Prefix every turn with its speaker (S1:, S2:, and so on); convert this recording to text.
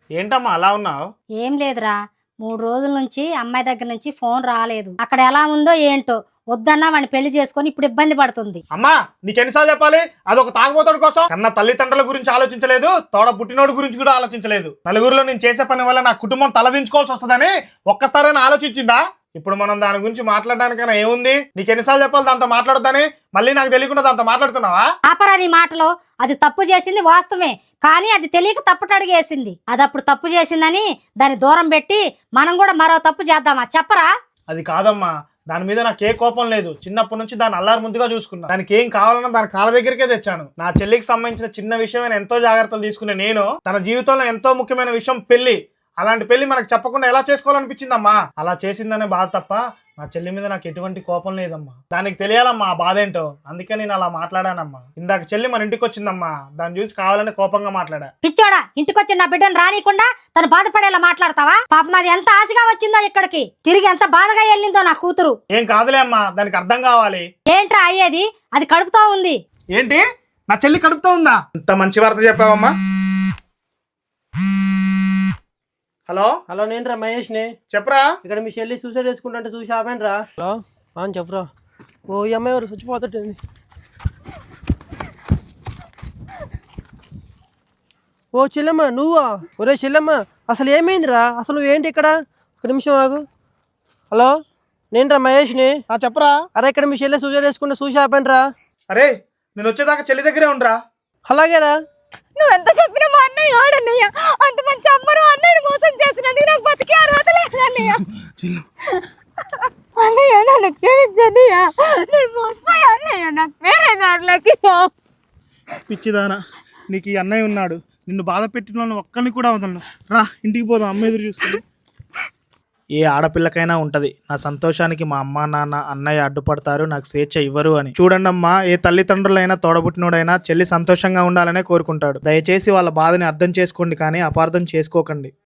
S1: ఏంటమ్మా అలా ఉన్నావు?
S2: ఏం లేదురా, 3 రోజుల నుంచి అమ్మాయి దగ్గర నుంచి ఫోన్ రాలేదు. అక్కడ ఎలా ఉందో ఏంటో, వద్దన్నా వాడిని పెళ్లి చేసుకొని ఇప్పుడు ఇబ్బంది పడుతుంది.
S1: అమ్మా నీకెన్నిసార్లు చెప్పాలి? అదొక తాగుబోతుడి కోసం కన్నా తల్లిదండ్రుల గురించి ఆలోచించలేదు, తోడ పుట్టినోడి గురించి కూడా ఆలోచించలేదు. నలుగురిలో నేను చేసే పని వల్ల నా కుటుంబం తలదించుకోవాల్సి వస్తుందని ఒక్కసారైనా ఆలోచించిందా? ఇప్పుడు మనం దాని గురించి మాట్లాడడానికైనా ఏముంది? నీకు ఎన్నిసార్లు చెప్పాలి దాంతో మాట్లాడొద్దని? మళ్ళీ నాకు తెలియకుండా దాంతో మాట్లాడుతున్నావా?
S2: ఆపరా నీ మాటలో. అది తప్పు చేసింది వాస్తవమే, కానీ అది తెలియక తప్పుటడుగు వేసింది. అది అప్పుడు తప్పు చేసిందని దాన్ని దూరం పెట్టి మనం కూడా మరో తప్పు చేద్దామా? చెప్పరా?
S1: అది కాదమ్మా, దాని మీద నాకు ఏ కోపం లేదు. చిన్నప్పటి నుంచి దాన్ని అల్లారు ముందుగా చూసుకున్నా. దానికి ఏం కావాలన్నా దాని కాళ్ళ దగ్గరికే తెచ్చాను. నా చెల్లికి సంబంధించిన చిన్న విషయమైన ఎంతో జాగ్రత్తలు తీసుకునే నేను తన జీవితంలో ఎంతో ముఖ్యమైన విషయం పెళ్లి. అలాంటి పెళ్లి మనకు చెప్పకుండా ఎలా చేసుకోవాలనిపించిందమ్మా? అలా చేసిందనే బాధ తప్ప నా చెల్లి మీద నాకు ఎటువంటి కోపం లేదమ్మా. దానికి తెలియాలమ్మా ఆ బాధ ఏంటో, అందుకే నేను అలా మాట్లాడానమ్మా. ఇందాక చెల్లి మన ఇంటికి వచ్చిందమ్మా, దాన్ని చూసి కావాలని కోపంగా మాట్లాడా.
S2: పిచ్చోడా, ఇంటికొచ్చి నా బిడ్డను రానికుండా తను బాధపడేలా మాట్లాడతావా? పాపం అది ఎంత ఆశగా వచ్చిందో ఇక్కడికి, తిరిగి ఎంత బాధగా వెళ్ళిందో నా కూతురు.
S1: ఏం కాదులే అమ్మా, దానికి అర్థం కావాలి.
S2: ఏంట్రా అయ్యేది? అది కడుపుతో ఉంది.
S1: ఏంటి? నా చెల్లి కడుపుతో ఉందా? ఇంత మంచి వార్త చెప్పావమ్మా. హలో
S3: హలో, నేనురా మహేష్ని.
S1: చెప్పరా.
S3: ఇక్కడ మీ చెల్లి సూసైడ్ చేసుకుంటుంటే చూసి ఆపానురా. హలో అని చెప్పరా. ఓ ఈ అమ్మాయి ఎవరు చచ్చిపోతుంది. ఓ చెల్లెమ్మ నువ్వా? ఒరే చెల్లెమ్మ, అసలు ఏమైందిరా? అసలు నువ్వేంటి ఇక్కడ? ఒక నిమిషం ఆగు. హలో, నేనురా మహేష్ని.
S1: చెప్పరా.
S3: అరే ఇక్కడ మీ చెల్లి సూసైడ్ చేసుకుంటే చూసి ఆపానురా.
S1: అరే నేను వచ్చేదాకా చెల్లి దగ్గరే ఉండరా.
S3: అలాగేరా.
S4: నువ్వెంత చెప్పినా మా అన్నయ్య ఆడన్నయ్య, అంత మంచి అమ్మరు అన్నయ్యని మోసం చేసినది నాకు బతికే అర్హత లేదు అన్నయ్య. అన్నయ్య నన్ను క్షమించన్నయ్య, నేను మోసపోయా అన్నయ్య, నాకు వేరే దారిలోకి.
S1: పిచ్చిదానా, నీకు ఈ అన్నయ్య ఉన్నాడు. నిన్ను బాధ పెట్టిన వాళ్ళని ఒక్కరిని కూడా వదలను. రా ఇంటికి పోదాం, అమ్మ ఎదురు చూస్తుంది. ఏ ఆడపిల్లకైనా ఉంటది, నా సంతోషానికి మా అమ్మ నాన్న అన్నయ్య అడ్డుపడతారు, నాకు స్వేచ్ఛ ఇవ్వరు అని. చూడండి అమ్మా, ఏ తల్లిదండ్రులైనా తోడబుట్టినోడైనా చెల్లి సంతోషంగా ఉండాలనే కోరుకుంటాడు. దయచేసి వాళ్ళ బాధని అర్థం చేసుకోండి, కానీ అపార్థం చేసుకోకండి.